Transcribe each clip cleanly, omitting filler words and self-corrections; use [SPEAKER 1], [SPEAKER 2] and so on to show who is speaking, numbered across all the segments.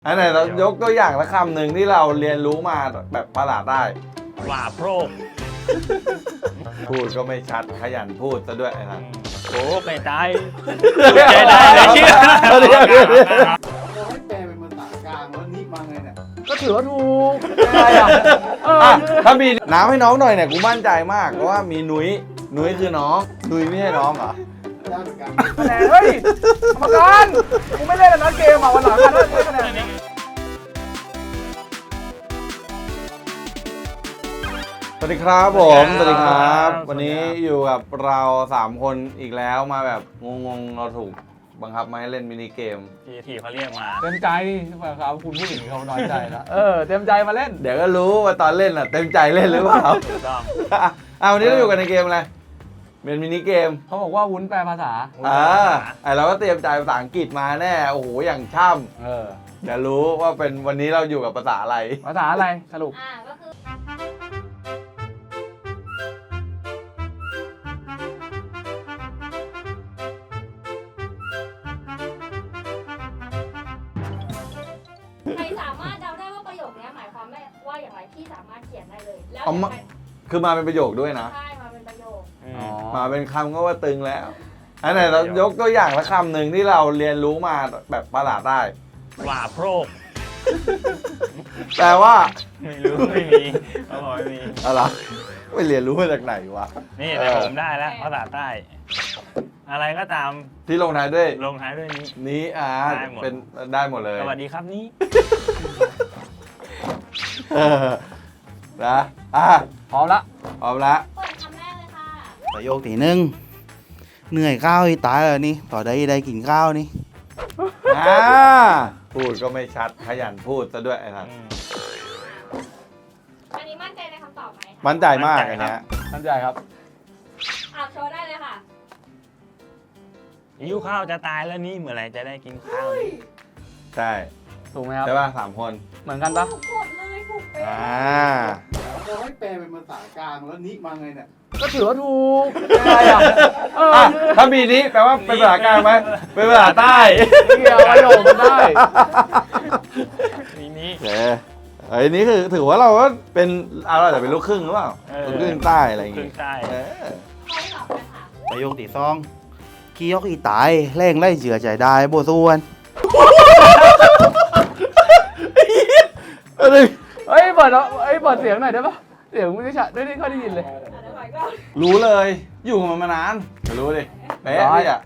[SPEAKER 1] อันไหนเรายกตัวอย่างละคำหนึ่งที่เราเรียนรู้มาแบบประหลาดได้
[SPEAKER 2] ว่าโพรก
[SPEAKER 1] พูดก็ไม่ชัดขยันพูดซะด้วยนะ
[SPEAKER 2] โอ้ไม่ตายใจได้เลยเชื่อ
[SPEAKER 3] เราให้แปลเป็นภาษากลางแล้วนี่มาไงเนี่ย
[SPEAKER 4] ก็ถือว่าถูกอะไรอ่ะ
[SPEAKER 1] อ่ะถ้ามีน้ำให้น้องหน่อยเนี่ยกูมั่นใจมากเพราะว่ามีนุ้ยคือน้องนุ้ยไม่ใช่น้องเหรอ
[SPEAKER 3] ได้เหมือนกัน
[SPEAKER 4] คะแนนเฮ้ยกรรมการกูไม่เล่นแล้วนะเกมอ่ะวันหลังกันได้คะแนน
[SPEAKER 1] สวัสดีครับผมสวัสดีครับ วันนี้อยู่กับเรา3คนอีกแล้วมาแบบงงๆเราถูกบังคับมาให้เล่นมินิเกม
[SPEAKER 2] ทีเขาเรียกมา
[SPEAKER 4] เต็มใจครับคุณผู้หญิงเขาน้อยใจแล้วเต็มใจมาเล่น
[SPEAKER 1] เดี๋ยวก็รู้ว่าตอนเล่นอ่ะเต็มใจเล่นหรือเปล่า
[SPEAKER 2] ถูกต้อง
[SPEAKER 1] วันนี้เราอยู่กันในเกมอะไรเป็นมินิเกม
[SPEAKER 4] เขาบอกว่าวุ้นแปลภาษา
[SPEAKER 1] เราก็เตรียมใจภาษาอังกฤษมาแน่โอ้โหอย่างช่ำเดี๋ยวรู้ว่าเป็นวันนี้เราอยู่กับภาษาอะไร
[SPEAKER 4] ภาษาอะไรสรุป
[SPEAKER 5] ก็คือใครสามารถเดาได้ว่าประโยคนี้หมายความว่าอย่างไรที่สามารถเขียนได้เลยแล้ว
[SPEAKER 1] คือมาเป็นประโยคด้วยนะ
[SPEAKER 5] ใช่มาเป็นประโยค
[SPEAKER 1] มาเป็นคำก็ว่าตึงแล้วอันไหนเรายกตัวอย่างละคำหนึ่งที่เราเรียนรู้มาแบบประหลาดได้
[SPEAKER 2] ว่าโพรก
[SPEAKER 1] แต่ว่า
[SPEAKER 2] ไม่รู้ไม่มีเขาบอกไม่มี
[SPEAKER 1] อะไรไม่เรียนรู้มาจากไหนวะ
[SPEAKER 2] นี่แต่ผมได้แล้วภาษาใต้ อะไรก็ตาม
[SPEAKER 1] ที่ลงท้ายด้วย
[SPEAKER 2] ลงท้ายด้วยนี้
[SPEAKER 1] นี้
[SPEAKER 2] ได้หมด
[SPEAKER 1] เป็นได้หมดเลย
[SPEAKER 2] สวัสดีครับนี้
[SPEAKER 1] เออนะ
[SPEAKER 4] พร้อมละ
[SPEAKER 1] พร้อมละ
[SPEAKER 5] เปิดคำแรกเลยค่ะ
[SPEAKER 3] ประโยคที่หนึ่งเหนื่อยข้าวอีตายเลยนี่ต่อได้กินข้าวนี่
[SPEAKER 1] พูดก็ไม่ชัดขยันพูดซะด้วยนะ
[SPEAKER 5] อันนี้มั่นใจในคำตอบไหม
[SPEAKER 1] มั่นใจมากอันเนี้ย
[SPEAKER 4] มั่นใจครับ
[SPEAKER 5] โชว์ได้เลยค่ะ
[SPEAKER 2] หิวข้าวจะตายแล้วนี่เมื่อไหร่จะได้กินข้าวนี่
[SPEAKER 1] ใช่
[SPEAKER 4] ถูกไหมครับ
[SPEAKER 1] ใช่ป่ะ3 คน
[SPEAKER 4] เหมือนกันปะ
[SPEAKER 5] ถูกหมดเลยถูกเป๊ะ
[SPEAKER 3] เราให้แปลเป็นภาษากลางแล้วนี่มาไงเนี่ย
[SPEAKER 4] ก็ถือว่าถูกอะไรอ่ะ
[SPEAKER 1] ถ้ามีนี้แปลว่าเป็นภาษากลางไหมเป็นภาษาใต้
[SPEAKER 4] เกี่ยวประโยคมันได้
[SPEAKER 2] มีนี้
[SPEAKER 1] ไอ้นี้คือถือว่าเราก็เป็นเราอาจจะเป็นลูกครึ่งหรือเปล่าลูกครึ่งใต้อะไรอย่าง
[SPEAKER 2] ขึ้
[SPEAKER 1] งี้
[SPEAKER 2] นใต้
[SPEAKER 5] ข้อที่สองเลยค่ะ
[SPEAKER 3] ประโยคที่สองขี้ยกอีตายแรงไล่เจือใจได้โบส่วน
[SPEAKER 4] เฮ้ยเปิดเสียงหน่อยได้ปะเสียงไม่ได้ชัดไม่ได้ค่อยได้ยินเลย
[SPEAKER 5] เดี๋ยวก่อนก็
[SPEAKER 1] รู้เลยอยู่กับมันมานานจะรู้ดิเป๊ะพี่อ่ะ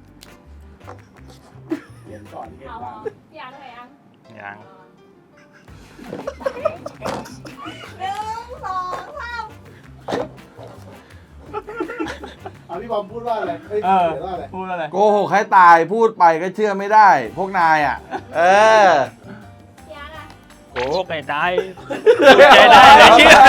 [SPEAKER 3] เขียนก่อนเขียน
[SPEAKER 5] เอา
[SPEAKER 3] บ้าง
[SPEAKER 5] พี่อาร์ตอะไรยัง
[SPEAKER 2] ยัง
[SPEAKER 5] 1 2 3
[SPEAKER 3] เอาพี่บอมพูดว่าอะไรเขียนว่าอะไร
[SPEAKER 4] พูดอะไร
[SPEAKER 1] โกหกให้ตายพูดไปก็เชื่อไม่ได้ พวกนายอ่ะ
[SPEAKER 5] พี่อาร์ตอะ
[SPEAKER 2] โอ้ไม่ตายใจได้เลยเชื่อ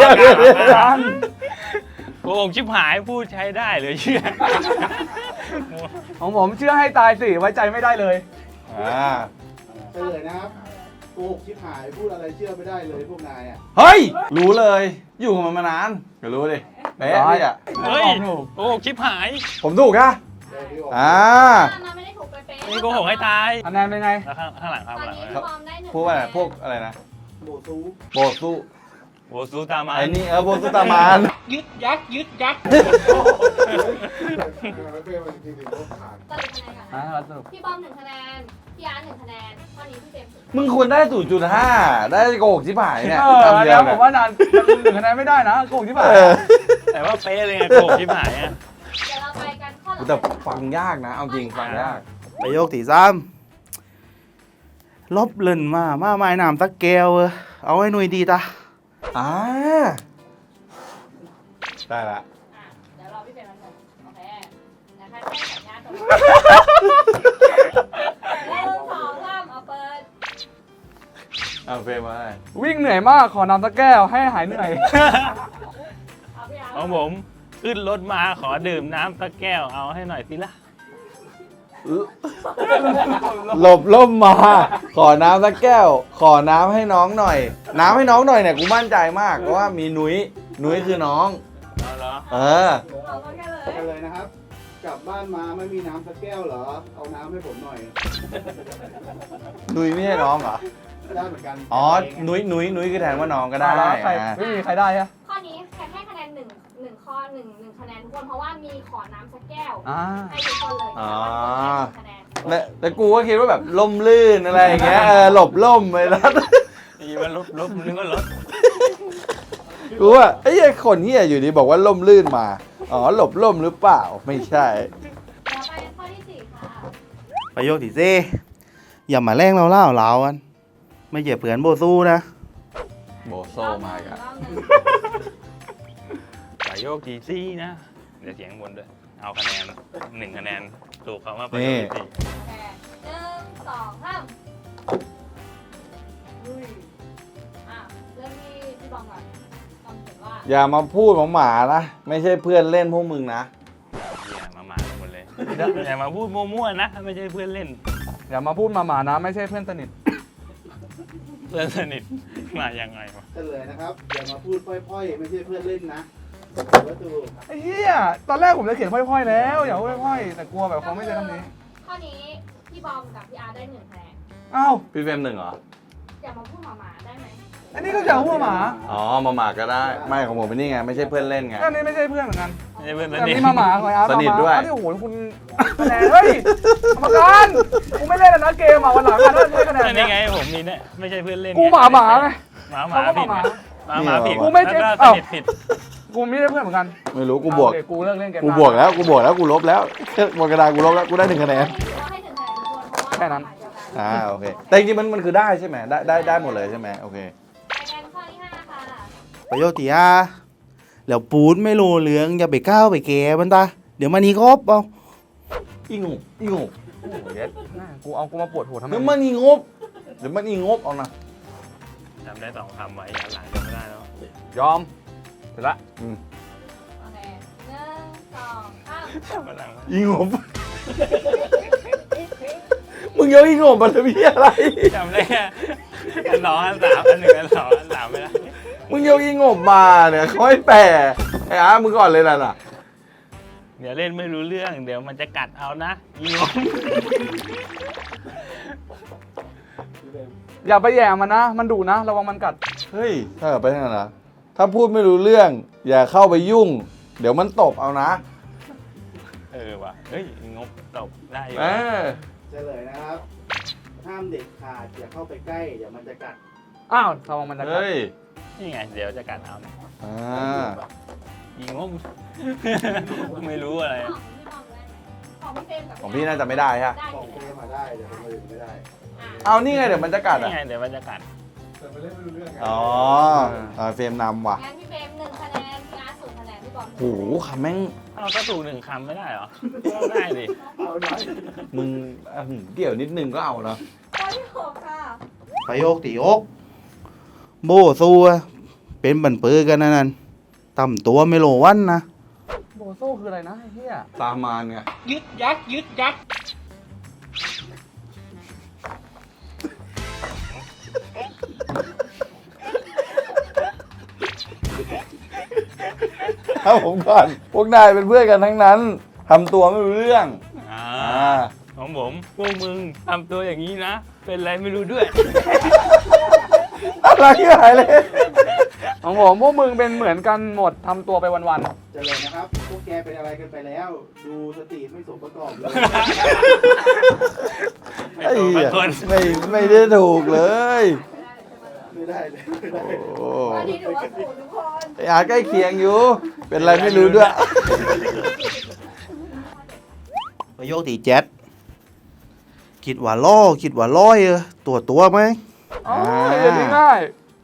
[SPEAKER 2] โอ้ชิบหายพูดใช้ได้เลยเชื่อ
[SPEAKER 4] ของผมเชื่อให้ตายสิไว้ใจไม่ได้เลย
[SPEAKER 3] เฉลยนะครับโกหกชิบหายพูดอะไรเชื่อไม่ได้เลยพวกนายอ่ะ
[SPEAKER 1] เฮ้ยรู้เลยอยู่กับมันมานานจะรู้ดิเป๊ะพี่อ่ะ
[SPEAKER 2] เฮ้ยโอ้ชิบหาย
[SPEAKER 1] ผมถูกค่ะ
[SPEAKER 3] เดี๋ยวพี่บอก
[SPEAKER 5] มันไม่ได้ถูกเป๊ะๆ
[SPEAKER 2] นี่โกหกให้ตาย
[SPEAKER 4] คะแนนเป็นไง
[SPEAKER 2] แล้วข้างหลังครับ
[SPEAKER 5] ตอน
[SPEAKER 2] ข้างหลัง
[SPEAKER 5] นี้
[SPEAKER 2] เลย
[SPEAKER 5] ความได้1
[SPEAKER 1] พวกอะไรพวกอะไรนะ
[SPEAKER 3] โบซู
[SPEAKER 1] โบสู้
[SPEAKER 2] โอ้สู้ตามมา
[SPEAKER 1] ไอ้นี่โบสู้ตามาน
[SPEAKER 2] ยึดยักษ์ยึดยักษ์
[SPEAKER 3] ไม่เป็นวันที่ถึงโลกขาด
[SPEAKER 5] สรุปคะแนนก่อนนะ
[SPEAKER 4] สรุป
[SPEAKER 5] พี่บอม1 คะแนน พี่อาร์ต1 คะแนน ข้อนี้พี่เจมส์0
[SPEAKER 1] มึงควรได้ 0.5 ได้โกหกชิบหายเนี่ย
[SPEAKER 4] อัน
[SPEAKER 1] คำเดี
[SPEAKER 4] นี้
[SPEAKER 1] ยว
[SPEAKER 4] ผมว่านาน1 คะแนนไม่ได้นะโกงที่ผ่าน
[SPEAKER 2] แต่ว่าเป๊ะเลยไงโกหกชิบหายอ่ะ
[SPEAKER 5] เดี๋ยวเราไปกันข้อหลัง
[SPEAKER 1] แต่ฟังยากนะ เอาจริงฟังยาก
[SPEAKER 3] ประโยคที่สามลบเล่นมาไม้น้ำตะแก้วเอาให้หน่วยดีตา
[SPEAKER 1] ได้ละ
[SPEAKER 5] เดี๋ยวรอพี่เป็นวันหนึ่งโอเคนะคะแจ้งสัญญาณตรงนี้1 2 3เอาเปิด
[SPEAKER 1] เอาเฟรมมาให้
[SPEAKER 4] วิ่งเหนื่อยมากขอนำตะแก้วให้หายเหนื่อย
[SPEAKER 5] เอาพี่อาร์ต
[SPEAKER 2] ของผมขึ้นรถมาขอดื่มน้ำสักแก้วเอาให้หน่อยสิล่ะ
[SPEAKER 1] หลบล่มมา ขอน้ำสักแก้ว ขอน้ำให้น้องหน่อย น้ำให้น้องหน่อยเนี่ยกูมั่นใจมากเพราะว่ามีนุ้ยคือน้อง
[SPEAKER 2] เอาเหรอ
[SPEAKER 1] เออ
[SPEAKER 5] เอาแค่เลย
[SPEAKER 3] กันเลยนะครับกลับบ้านมาไม่มีน้ำสักแก้วเหรอ เอาน้ำให้ผมหน่อย
[SPEAKER 1] นุ้ยไม่ใช่น้องเหรอ
[SPEAKER 3] ได้เหมือนกัน
[SPEAKER 1] อ๋อ นุ้ยคือแทนว่าน้องก็ได้
[SPEAKER 4] แล้วใคร
[SPEAKER 1] อ่ะ
[SPEAKER 4] ไม่มีใครได้ฮะ
[SPEAKER 5] ข้อนี้แค่ให้คะแนนหนึ่งข้อหนึ่งคะแนนทุกคนเพราะว่ามีขอน้ำสักแก้ว
[SPEAKER 4] อ่า
[SPEAKER 5] ให้ทุกคนเลย
[SPEAKER 1] อ๋อ
[SPEAKER 5] แต่ว่าทุกคนให้หนึ่งคะแนน
[SPEAKER 1] แต่กูก็คิดว่าแบบล่มลื่นอะไรอย่างเงี้ยหลบล่มไปแล้ว
[SPEAKER 2] อีมันลบนึกว่าลบ
[SPEAKER 1] กูว่าไอ้คนที่อยู่ดีบอกว่าล่มลื่นมา อ๋อหลบล่มหรือเปล่า ไม่ใช่
[SPEAKER 5] ต่อไปข้อที่สี่ค่ะ
[SPEAKER 3] ประโยคที่สี่อย่ามาแรงเราเล่าเรากัน ไม่เหยียบเผื่อนโบสู้นะ
[SPEAKER 1] โบโซมาอีกัน
[SPEAKER 5] รอบหนึ่ง
[SPEAKER 2] ประโยคจีซี่นะ เดี๋ยวเสียงบนด้วย เอาคะแนน1คะแนนถูกคำว่าประโยคจีซี่
[SPEAKER 5] โอเคหนึ่งสองสามอุ้ยอ่ะเริ่มที่พี่บอมก่อนบอมเขียนว่า
[SPEAKER 1] อย่ามาพูดหมาๆนะ ไม่ใช่เพื่อนเล่นพวกมึงนะ
[SPEAKER 2] อย่ามาหมดเลยอย่ามาพูดมั่วๆนะ ไม่ใช่เพื่อนเล่น
[SPEAKER 4] อย่ามาพูดมาหมานะไม่ใช่เพื่อนสนิท
[SPEAKER 2] เพื่อนสนิทมายังไงวะ
[SPEAKER 3] เฉลยนะครับ อย่ามาพูดพ่อยๆ ไม่ใช่เพื่อนเล่นนะวัตถุ
[SPEAKER 4] ไอ้เหี้ยตอนแรกผมจะเขียนพ่อยๆแล้วอย่าพูดพ่อยๆแต่กลัวแบบเขาไม่ใช่คำนี้
[SPEAKER 5] ข้อนี้พี่บอมกับพี่อาร์ได้หนึ่งคะแนน
[SPEAKER 4] อ้าว
[SPEAKER 1] พี่เฟรมหนึ่งเหรอ
[SPEAKER 5] อย่ามาพูดหมาๆได้ไหม
[SPEAKER 4] อันนี้ก็อย่าพูดหมา
[SPEAKER 1] อ๋อหมาๆก็ได้ ไม่ของผมเป็นนี่ไง ไม่ใช่เพื่อนเล่นไง
[SPEAKER 4] อันนี้ไม่ใช่เพื่อนเหมือนกัน
[SPEAKER 2] ไม่ใช่เพื่อนส
[SPEAKER 4] แต่
[SPEAKER 2] นิท
[SPEAKER 4] นี่มาหมาคอยอาร์ต
[SPEAKER 1] สนิทด้วย
[SPEAKER 4] มาหมาที่โอ้โหคุณคะแนนเฮ้ยกรรมการกูไม่เล่นแล้วนะเกมอ่ะวันหลังกันถ้าใช้คะแนน
[SPEAKER 2] นี่ไงผมนี่เนี่ยไม่ใช่เพื่อนเล่น
[SPEAKER 4] กูหมาไง
[SPEAKER 2] หมา
[SPEAKER 4] เขาก็
[SPEAKER 2] ผิด
[SPEAKER 4] หมา
[SPEAKER 2] หมาผิด
[SPEAKER 4] กูไม่เจ็บ
[SPEAKER 2] แล้วก็ส
[SPEAKER 4] เอ้า
[SPEAKER 2] นิทผิด
[SPEAKER 4] กูไม่ได้เพื่อนเหมือนกัน
[SPEAKER 1] ไม่รู้กูบวก
[SPEAKER 4] เอาเลยกูเลิกเล่นเกม
[SPEAKER 1] กูบวกแล้วกูลบแล้วบนกระดานกูลบแล้วกูได้1คะแนน
[SPEAKER 5] ข้อนี้ถือว่าให้หนึ่งคะแนนทุกคนเพราะว่า
[SPEAKER 4] แค่นั้น
[SPEAKER 1] อ่าโอเค แต่จริงๆมันคือได้ใช่ไหมได้หมดเลยใช่ไหมโอเค
[SPEAKER 5] คะแนนข้อที่ห้าค่ะ
[SPEAKER 3] ประโยคที่ห้าแล้วปูดไม่รู้เรื่องอย่าไปก้าวไปแกมันตาเดี๋ยวมันนี้ครบเอา
[SPEAKER 1] อีงบ
[SPEAKER 4] โอ้โหเย็ดแม่กูเอากูมาปวดหัวทำไม
[SPEAKER 1] เดี๋ยวมันอีงบเดี๋ยวมันอีงบเอานะ
[SPEAKER 2] จำได้2คำไว้ย้อนหลังจำไม่ได้แล้ว
[SPEAKER 4] ยอมเสร็จละ
[SPEAKER 5] โอเคหนึ่งสองสาม
[SPEAKER 2] จำไม่ได้
[SPEAKER 1] อีงบ มึงยกอีงบมาเลยพี่อะไร
[SPEAKER 2] จำได้แค่อันสองอันสามอันหนึ่งอันสองอันสามไม่ได้
[SPEAKER 1] มึงยกอีงบมาเนี่ยค่อยแปลไอ้อามึงก่อนเลยน่ะ
[SPEAKER 2] เดี๋ยวเล่นไม่รู้เรื่องเดี๋ยวมันจะกัดเอานะอีงง
[SPEAKER 4] อย่าไปแย่มันนะ มันดุนะระวังมันกัด
[SPEAKER 1] เฮ้ยถ้าเกิดไปทางนั้นนะถ้าพูดไม่รู้เรื่อง อย่าเข้าไปยุ่ง เดี๋ยวมันตบเอานะ
[SPEAKER 2] ว่ะเฮ้ยงบตบได้อยู่
[SPEAKER 1] เออ
[SPEAKER 3] เฉลยนะครับ ห้ามเด็ดขาดอย่าเข้าไปใกล้ เดี๋ยวมันจะกัด
[SPEAKER 4] อ้าวระวังมันจะกัด
[SPEAKER 1] เฮ้ย
[SPEAKER 2] นี่ไงเดี๋ยวจะกัดเอาเนี่ย
[SPEAKER 1] อ่า
[SPEAKER 2] อีงง ไม่รู้อะไร
[SPEAKER 5] ของพี่บอมได้ไหมของพี่เฟรมกับ
[SPEAKER 1] ของพี่น่าจะไม่ได้ฮะ
[SPEAKER 5] ได้
[SPEAKER 3] ของ
[SPEAKER 5] กี่
[SPEAKER 3] เก
[SPEAKER 5] คะแนน
[SPEAKER 3] มมาได้แต่คนอื่นไม่ได้
[SPEAKER 5] อ่ะ
[SPEAKER 1] เอานี่ไงเดี๋ยวมันจะกัด
[SPEAKER 2] นี่
[SPEAKER 1] อ่ะ
[SPEAKER 2] ไงเดี๋ยวมันจะกัด
[SPEAKER 1] อ๋อเฟรมนำว่ะ
[SPEAKER 5] งั้นพี่เฟรมหนึ่งคะแนนพี่อาร์ตศูนย์คะแนนพี่บอม
[SPEAKER 1] โหคำแม่ง
[SPEAKER 2] เอาก็ถูก1คำไม่ได้เหรอต้องได้ดิ
[SPEAKER 1] มึงเกี่ยวนิดนึงก็เอาเนาะ
[SPEAKER 5] ข้อที่หกค่ะ
[SPEAKER 3] ประโยคที่หกโบสู้อะเป็นบันปือกันนั่นต่ำตัวไม่โลวันนะ
[SPEAKER 4] โบโซ่คืออะไรนะไอ้เหี้ย
[SPEAKER 1] ตามมานไง
[SPEAKER 2] ยึดยักยึดยัก
[SPEAKER 1] ถ้าผมก่อน พวกนายเป็นเพื่อนกันทั้งนั้นทำตัวไม่รู้เรื่อง
[SPEAKER 2] อ่า
[SPEAKER 1] อ่า
[SPEAKER 2] ของผมพวกมึงทำตัวอย่างนี้นะ เป็นไรไม่รู้ด้วย
[SPEAKER 1] อะไรที่หายเลย
[SPEAKER 4] ของผมพวกมึงเป็นเหมือนกันหมดทำตัวไปวัน
[SPEAKER 3] เฉลยนะครับ พวกแกเป็นอะไรกันไปแล้ว ดูสติไม่สมประกอบเลย
[SPEAKER 2] ไอ้ตัวบางคน
[SPEAKER 1] ไม่ได้ถูกเลย
[SPEAKER 3] ไม่ได้เลยไม่ได้
[SPEAKER 1] โอ้
[SPEAKER 5] ข้อนี้ถือว่าศูนย์ทุกคน
[SPEAKER 1] ไอ้อาใกล้เคียงอยู่ เป็นไรไม่รู้ด้วย
[SPEAKER 3] ประโยคที่เจ็ดคิดว่าล่อคิดว่าร้อยตัวไหม
[SPEAKER 4] ๆอ๋อเดี๋ยวนี้ง่าย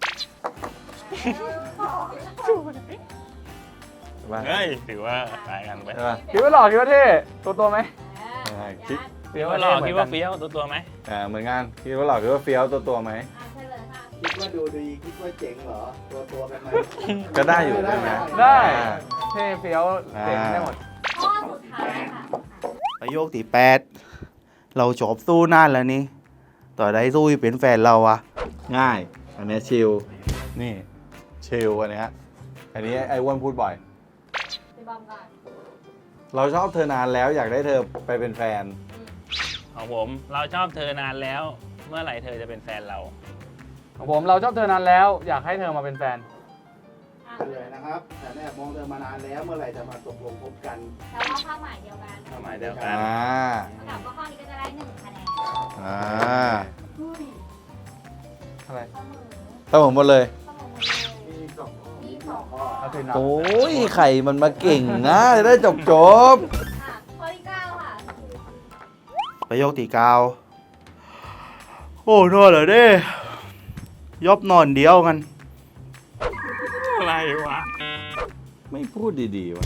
[SPEAKER 2] เฮ้ยถือว่าตายกันไป
[SPEAKER 1] ใช่ป่ะ
[SPEAKER 4] คิดว่าหล่อคิดว่าเท่ตัวไหม
[SPEAKER 1] คิด
[SPEAKER 2] คิดว่าหล่อคิดว่าเฟี้ยวตัวไหม
[SPEAKER 1] เหมือนกันคิดว่าหล่อคิดว่าเฟี้ยวตัวไหม
[SPEAKER 5] อ่ะเฉลยค่ะ
[SPEAKER 3] คิดว่าดูดีคิดว่าเจ๋งเหรอ ตัวกันไหม
[SPEAKER 1] ก็ได้อยู่ใช่ไหม
[SPEAKER 4] ได้
[SPEAKER 1] อ่า
[SPEAKER 4] เท่เฟี้ยวเจ๋งได้หมด
[SPEAKER 5] ข้อสุดท้ายค่ะ
[SPEAKER 3] ประโยคที่แปดเราจบสู้นานแล้วนี่ต่อได้สู้เป็นแฟนเราอะ
[SPEAKER 1] ง่าย อันเนี้ยชิล นี่ ชิลอันเนี้ยอันนี้ไอ้อ้วนพูดบ่อย
[SPEAKER 5] พี่บอมก่อน
[SPEAKER 1] เราชอบเธอนานแล้วอยากได้เธอไปเป็นแฟน
[SPEAKER 2] ของผมเราชอบเธอนานแล้ว เมื่อไหร่เธอจะเป็นแฟนเรา
[SPEAKER 4] ของผมเราชอบเธอนานแล้ว อยากให้เธอมาเป็นแฟน
[SPEAKER 5] อ่ะ
[SPEAKER 3] เลยนะครับแต่แม่มองเธอมานานแล้วเมื่อไหร่จะมาตกลงคบกัน
[SPEAKER 5] แต่ว่าความหมายเดียวกัน
[SPEAKER 2] ความหมายเดียวกัน
[SPEAKER 5] สำหรับข้อนี้ก็จะได้1คะแนน อุ้ย
[SPEAKER 4] อะไร
[SPEAKER 5] เสมอ
[SPEAKER 1] เสมอหมดเลย
[SPEAKER 5] เสมอหมดเลยมีสองข้อ
[SPEAKER 4] เอาคืนนับ
[SPEAKER 1] โอ้ยไข่มันมาเก่งนะจะได้จบ
[SPEAKER 5] อ่ะข้อที่9ค่ะ
[SPEAKER 3] ประโยคที่เก้าโอ้นอนเหรอเด้ยอบนอนเดียวกัน
[SPEAKER 2] อะไรวะ
[SPEAKER 1] ไม่พูดดีๆวะ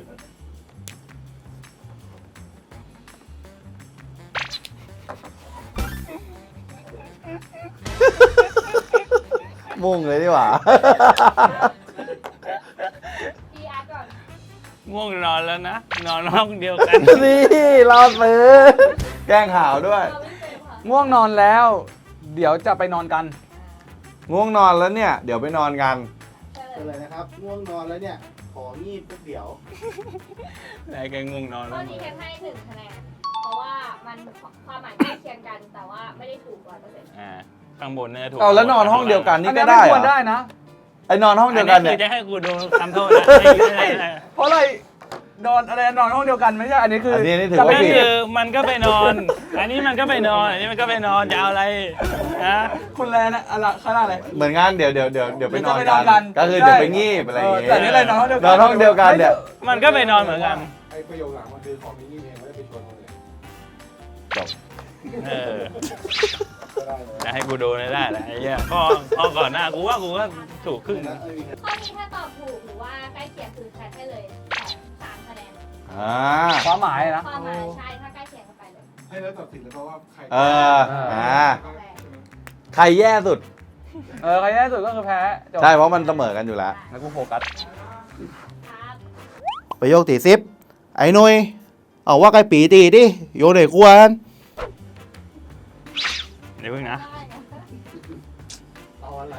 [SPEAKER 1] มุ่งเลยดีกว่า
[SPEAKER 5] พี่อาร์ตก่อน
[SPEAKER 2] ง่วงนอนแล้วนะ นอนห้องเดียวกัน
[SPEAKER 1] นี่รอดมือแกล้งข่าวด้วย
[SPEAKER 5] เราไม่เต็มค่ะ
[SPEAKER 4] ง่วงนอนแล้ว เดี๋ยวจะไปนอนกัน
[SPEAKER 1] ง่วงนอนแล้วเนี่ย เดี๋ยวไปนอนกัน
[SPEAKER 5] เฉล
[SPEAKER 3] เลย ยนะครับง่วงนอนแล้วเนี่ย ของีบปุ๊บเดี๋ยว
[SPEAKER 2] ได้แค่ง่วงนอน
[SPEAKER 5] ข้
[SPEAKER 2] แล้
[SPEAKER 5] อ
[SPEAKER 2] ว
[SPEAKER 5] นี้แค่ให้1คะแนน เพราะว่ามันความหมายใกล้เคียงกัน แต่ว่าไม่ได้ถูก100%
[SPEAKER 2] ข้างบนเนี่ยถูก
[SPEAKER 1] เอาแล้วนอนห้องเดียวกัน
[SPEAKER 4] อั
[SPEAKER 1] นี่
[SPEAKER 4] น
[SPEAKER 1] ก็
[SPEAKER 4] นี้
[SPEAKER 1] ได้
[SPEAKER 4] ไม่
[SPEAKER 1] เห
[SPEAKER 4] ค
[SPEAKER 1] ร
[SPEAKER 4] วรได้
[SPEAKER 1] อ
[SPEAKER 4] นะ
[SPEAKER 1] ไอ้นอนห้อง
[SPEAKER 2] อัน
[SPEAKER 1] เดียว
[SPEAKER 2] นี้
[SPEAKER 1] กัน
[SPEAKER 2] คื
[SPEAKER 1] เนี่
[SPEAKER 2] อย จะให้กูดูทำโทษนะ
[SPEAKER 4] เพราะอะไรนอนอะไรนอนห้องเดียวกันไม่ใช่อันนี้คือ
[SPEAKER 1] อั
[SPEAKER 4] อั
[SPEAKER 1] นนี้ถือ
[SPEAKER 2] ก็
[SPEAKER 1] ว่าผิด
[SPEAKER 2] คือมันก็ไปนอน อันนี้มันก็ไปนอน อันนี้มันก็ไปนอนจะเอาอะไรนะ
[SPEAKER 4] คุณแลนะอะไรขนาดอะไร
[SPEAKER 1] เหมือนงานเดี๋ยวไปนอน
[SPEAKER 4] เดี๋ยวจะไปนอนกั
[SPEAKER 1] กัน
[SPEAKER 4] น
[SPEAKER 1] ก็คือ
[SPEAKER 4] ใช่
[SPEAKER 1] เดี๋ยวไปงีบอะไรอย่างเงี้ย
[SPEAKER 4] แต่นี่อะไรนอนห้องเดียวกัน
[SPEAKER 1] นอนห้องเดียวกันเนี่ย
[SPEAKER 2] มันก็ไปนอนเหมือนกัน
[SPEAKER 3] ไอ้ประโยคหลังมันคือของมินี่เองไม่ได้ไปชวนคนอื่น
[SPEAKER 1] จบ
[SPEAKER 2] เออ
[SPEAKER 3] ก็ได้เลย
[SPEAKER 2] จะให้กูดูได้แหละไอ้เหี้ยข้อก่อนหน้ากูว่ากูก็ถูกครึ่ง
[SPEAKER 3] แล้วไม่มี
[SPEAKER 5] ข้อนี้ถ้าตอบถูกหรือว่าใกล้เคียงคือแคทให้เลย3คะแนน
[SPEAKER 1] อ่า
[SPEAKER 4] ความหมายนะ
[SPEAKER 5] ความหมายใช่ถ้าใกล้เคียงกันไปเลย
[SPEAKER 3] ให้แล้วตัดสินเลยเพราะว่าใคร
[SPEAKER 1] เอออ่า
[SPEAKER 5] ข้อแรก
[SPEAKER 1] ใครแย่สุด
[SPEAKER 4] ใครแย่สุดก็คือแพ้จบ
[SPEAKER 1] ใช่เพราะมันเสมอกันอยู่แล้ว
[SPEAKER 4] แล้วกูโฟกัส
[SPEAKER 5] ครับ
[SPEAKER 3] ประโยคที่10ไอ้หนุยเอาว่าไก่ปีตีดิโยนไหนควร
[SPEAKER 2] เดี๋ยวเพิ่งนะ
[SPEAKER 5] ได้นะ
[SPEAKER 3] เอาอะไร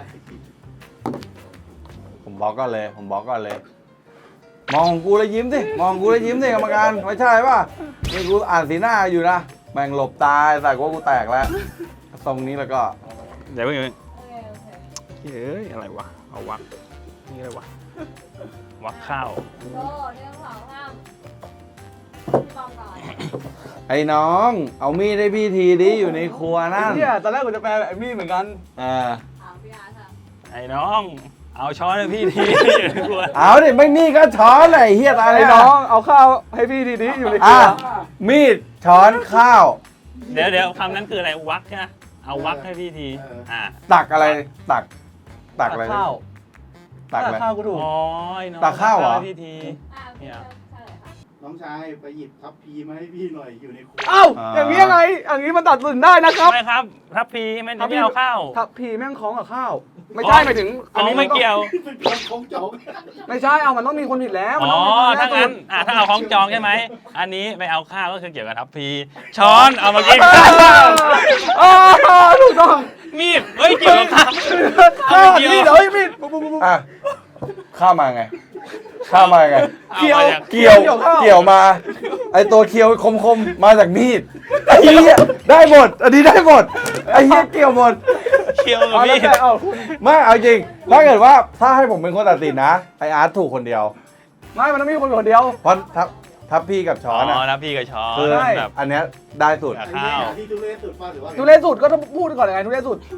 [SPEAKER 1] ผมบล็อกก่อนเลย มองกูแล้วยิ้มสิมองกูแล้วยิ้มสิกรรมการไม่ใช่ป่ะนี่กูอ่านสีหน้าอยู่นะแม่งหลบตายใส่กูว่ากูแตกแล้วตรงนี้แล้วก็
[SPEAKER 2] เดี๋ยวเพิ่ง
[SPEAKER 5] โอเค
[SPEAKER 2] เฮ้ยอะไรวะ เอาวักนี่อะไรวะ วักข้าว
[SPEAKER 5] โก้เรื่องของห้ามพี่บอมก่อน
[SPEAKER 1] ไอ้น้อง เอามีดให้พี่ทีดิอยู่ในครัวนั่น
[SPEAKER 4] เนี่ยตอนแรกกูจะแปลแบบมีดเหมือนกัน
[SPEAKER 1] อ่า
[SPEAKER 5] พี่อาร์ตค่ะ
[SPEAKER 2] ไอ้น้อง เอาช้อนให้พี่ที กลัว
[SPEAKER 1] เอาดิไม่มีก็ช้อนเลยเฮียตาย
[SPEAKER 4] ไอ้
[SPEAKER 1] เลย
[SPEAKER 4] น้องเอาข้าวให้พี่ทีนี้อยู่ในครั
[SPEAKER 1] อ่ะ
[SPEAKER 4] ว
[SPEAKER 1] มีดช้อนข้าว
[SPEAKER 2] เดี๋ยวคำนั้นคืออะไร วักใช่ไหมเอาวักให้พี่ที
[SPEAKER 1] ตักอะไรตักอะไร
[SPEAKER 4] ข้าว
[SPEAKER 1] ตักอะไร
[SPEAKER 4] ข้าวกูถูก
[SPEAKER 2] อ๋อไอ้น้อง
[SPEAKER 1] ตักข้าวเหรอ
[SPEAKER 2] ให้พี่ที
[SPEAKER 5] พี่
[SPEAKER 2] เนี่ย
[SPEAKER 5] เฉลยค่ะ
[SPEAKER 3] น้องชายไปหยิบทัพพีมาให้พี่หน่อยอยู่ในครัว
[SPEAKER 4] เอ้าอย่างนี้ยังไงอย่างนี้มันตัดสินได้นะครับ
[SPEAKER 2] ไม่ครับทัพพีมันจะไม่เอาข้าว
[SPEAKER 4] ทับพีแม่งคล้องกับข้าว ไม่ใช่หมายถึง
[SPEAKER 2] อ๋อไม่เกี่ยว
[SPEAKER 3] เป็นคนของจบ
[SPEAKER 4] ไม่ใช่เอามันต้องมีคนผิดแล้วมัน
[SPEAKER 2] อ๋อ
[SPEAKER 4] ต้องมีคน
[SPEAKER 2] ถ้า
[SPEAKER 4] แน่
[SPEAKER 2] งั้น
[SPEAKER 4] สุด
[SPEAKER 2] ถ้าเอาของจองใช่ไหม อันนี้ไปเอาข้าวก็คือเกี่ยวกับทัพพี ช้อนเอามากิน
[SPEAKER 4] อ๋อถูกต้อง
[SPEAKER 2] มีด เฮ้ยเกี่ยวกับข้าว
[SPEAKER 4] ข้าว
[SPEAKER 2] เกี่ยว
[SPEAKER 4] มีดเฮ้ยมีดปุ๊บปุ๊บปุ๊บ
[SPEAKER 1] อ่ะข้าวมาไงข้าวมาไง
[SPEAKER 2] เอามาจาก
[SPEAKER 1] เกี่ยวมา ไอตัวเคียวคมๆมาจากมีดไอ้เหี้ยได้หมด อันนี้ได้หมดไอ้เหี้ยเกี่ยวหมด
[SPEAKER 2] เคี่ยวกับ
[SPEAKER 4] เอา
[SPEAKER 2] มี
[SPEAKER 4] แล้ว
[SPEAKER 2] ด
[SPEAKER 4] แต่เอาคุณ
[SPEAKER 1] ไม่เอาจริงถ้าเกิดว่าถ้าให้ผมเป็นคนตัดสินนะไออาร์ตถูกคนเดียว
[SPEAKER 4] ไม่มันต้องมีคนเดียว
[SPEAKER 1] เพราะทับพี่กับช้อน
[SPEAKER 2] อ๋อ
[SPEAKER 1] อ่ะ
[SPEAKER 2] ทัพพีกับช้อน
[SPEAKER 1] คือ
[SPEAKER 4] ใช่
[SPEAKER 2] แบบ
[SPEAKER 1] อันเนี้ยได้สุด
[SPEAKER 2] กับ
[SPEAKER 3] ไอ้
[SPEAKER 2] ข้า
[SPEAKER 3] เนี่
[SPEAKER 2] วย
[SPEAKER 3] ที่ทุเรศสุดป่ะหรือว่า
[SPEAKER 4] ทุเรศสุดก็ต้องพูดก่อนยังไงทุเรศสุด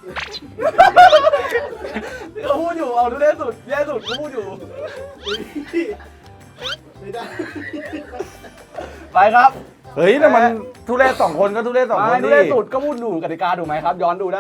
[SPEAKER 4] เขาพูดอยู่เอาทุเรศสุดแย่สุดเขาพูดอยู่
[SPEAKER 3] ไม่ได้
[SPEAKER 4] ไปครับ
[SPEAKER 1] เฮ้ยแต่มันทุเรศสองคนก็ทุเรศสองคน
[SPEAKER 4] ไม่ทุ
[SPEAKER 1] ดิ
[SPEAKER 4] เรศสุดก็พูดดูกติกาดูไหมครับ ย้อนดูได้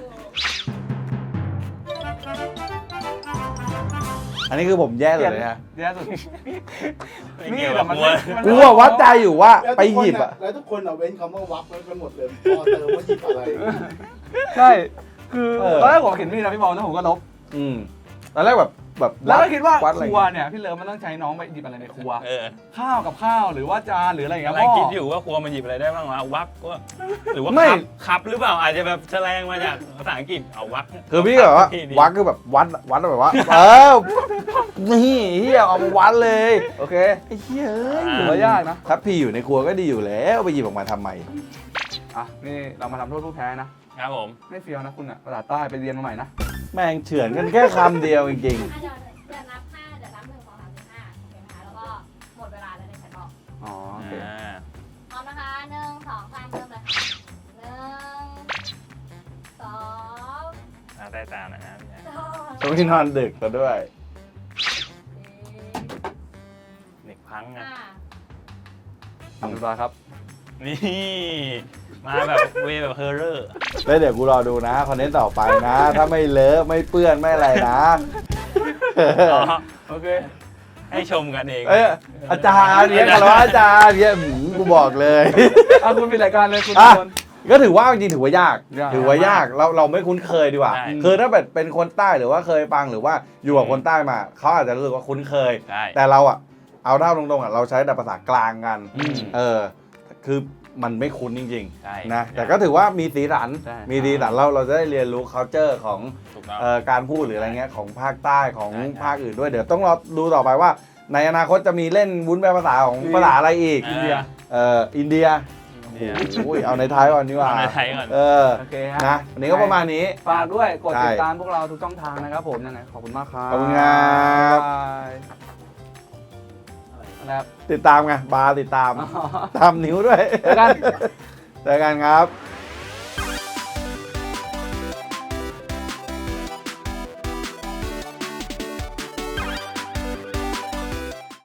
[SPEAKER 1] อันนี้คือผมแย่สุดเลยนะ
[SPEAKER 4] แย่สุด
[SPEAKER 2] ไม่เกี่ยวกับ
[SPEAKER 4] มัน
[SPEAKER 2] มัว
[SPEAKER 1] กูอะวัดใจอยู่ว่าไปหยิบอะ
[SPEAKER 3] แล้วทุกคนเว้นคำว่าวักไว้กันหมดเลยพอเติมว่าหยิบอะไร
[SPEAKER 4] ใช่ คือตอนแรกผมเห็นมีดนะพี่บอลแล้วผมก็ลบ
[SPEAKER 1] ตอนแรกแบบแบบ
[SPEAKER 4] แล้วก็คิดว่า
[SPEAKER 1] วัดอะไร
[SPEAKER 4] ครัวเนี่ยพี่เลิฟมันต้องใช้น้องไปหยิบอะไรในครัว
[SPEAKER 2] เออ
[SPEAKER 4] ข้าวกับข้าวหรือว่าจานหรืออะไรอย่างเงี้ย
[SPEAKER 2] กำลัง
[SPEAKER 4] พ่อ
[SPEAKER 2] คิดอยู่ว่าครัวมันหยิบอะไรได้บ้างวะวักก็หรือว่า
[SPEAKER 1] ไม่
[SPEAKER 2] คับหรือเปล่าอาจจะแบบแสลงมาจากภาษาอังกฤษเอาวัก
[SPEAKER 1] คือพี่แบบว่า
[SPEAKER 2] ที่ดี
[SPEAKER 1] วัดคือแบบวัดแบบว่า นี่เฮียเอามาวัดเลย
[SPEAKER 4] โอเค
[SPEAKER 1] ไอ้เฮียเอ้ย
[SPEAKER 4] ถือว่ายากนะ
[SPEAKER 1] ถ้าพี่อยู่ในครัวก็ดีอยู่แล้วไปหยิบออกมาทำไม
[SPEAKER 4] อ่ะนี่เรามาทำโทษผู้แพ้นะครับ
[SPEAKER 2] ผม
[SPEAKER 4] ไม่เฟี้ยวนะคุณอ่ะภาษาใต้ไปเรียนมาใหม่นะ
[SPEAKER 1] แม่งเฉือนกันแค่คำเดียวจริง
[SPEAKER 5] อ่ะเดี๋ยวนับ5เดี๋ยวนับ1 2 3 4 5โอเคไหมคะแล้วก็หมดเวลาแล้วในแชทบอก
[SPEAKER 4] อ๋อโอเค
[SPEAKER 5] พร้อมนะคะ1 2 3เริ่มเลย1 2
[SPEAKER 2] ได้ตามนะครับพี่แจ๊ค
[SPEAKER 1] ๆต้องที่นอนดึกซะด้วย
[SPEAKER 2] เด็กพังอ่ะ
[SPEAKER 5] 5
[SPEAKER 4] ทำเรียบร้อยครับ
[SPEAKER 2] นี่มาแบบเวแบบเฮอร์เรอร์
[SPEAKER 1] แล้วเดี๋ยวกูรอดูนะคอนเทนต์ต่อไปนะ ถ้าไม่เลอะไม่เปื้อนไม่อะไรนะ
[SPEAKER 4] โอเค
[SPEAKER 2] ให้ชมกันเอง
[SPEAKER 1] เอ้ยอาจารย์เนี่ยคารวะอาจารย์เนี่ยกูบอกเลย
[SPEAKER 4] อ่ะคุณปิดรายการเลยคุณ
[SPEAKER 1] อ่ะ
[SPEAKER 4] คน
[SPEAKER 1] ก็ถือว่าจริงๆถือว่ายาก
[SPEAKER 4] ยาก
[SPEAKER 1] ถือว่ายากเราไม่คุ้นเคยดีกว่า
[SPEAKER 2] ใช่
[SPEAKER 1] คือถ้าแบบเป็นคนใต้หรือว่าเคยฟังหรือว่าอยู่กับคนใต้มาเขาอาจจะรู้สึกว่าคุ้นเคย
[SPEAKER 2] ใช่
[SPEAKER 1] แต่เราอะเอาเท่าตรงๆอะเราใช้แต่ภาษากลางกัน
[SPEAKER 2] อืม
[SPEAKER 1] คือมันไม่คุ้นจริง
[SPEAKER 2] ใช่
[SPEAKER 1] ๆนะแต่ก็ถือว่ามีสีสัน
[SPEAKER 4] ใช่
[SPEAKER 1] มีสีสันเราจะได้เรียนรู้ culture ของ
[SPEAKER 2] ถูกต้อง
[SPEAKER 1] การพูดหรืออะไรเงี้ยของภาคใต้ของ
[SPEAKER 2] ใช่
[SPEAKER 1] ภาคอื่นด้วยเดี๋ยวต้องรอดูต่อไปว่า ในอนาคตจะมีเล่นวุ้นแปลภาษาของภาษาอะไรอีก
[SPEAKER 2] อินเดีย
[SPEAKER 1] อินเดีย
[SPEAKER 2] เนี่ย
[SPEAKER 1] โอ้ยเอาในไทยก่อนดีกว่า
[SPEAKER 2] เอาในไทยก่อน
[SPEAKER 4] โอเคฮะ
[SPEAKER 1] นะวันนี้ก็ประมาณนี้
[SPEAKER 4] ฝากด้วยกดติด
[SPEAKER 1] ใช่
[SPEAKER 4] ตามพวกเราทุกช่องทางนะครับผมยังไงขอบคุณมากครับ
[SPEAKER 1] ขอบคุณครับ
[SPEAKER 4] บ๊ายบายนะครับ
[SPEAKER 1] ติดตามไงบาร์ติดตาม
[SPEAKER 4] อ๋อ
[SPEAKER 1] ทำนิ้วด้วย
[SPEAKER 4] เจอกัน
[SPEAKER 1] เจอกันครับ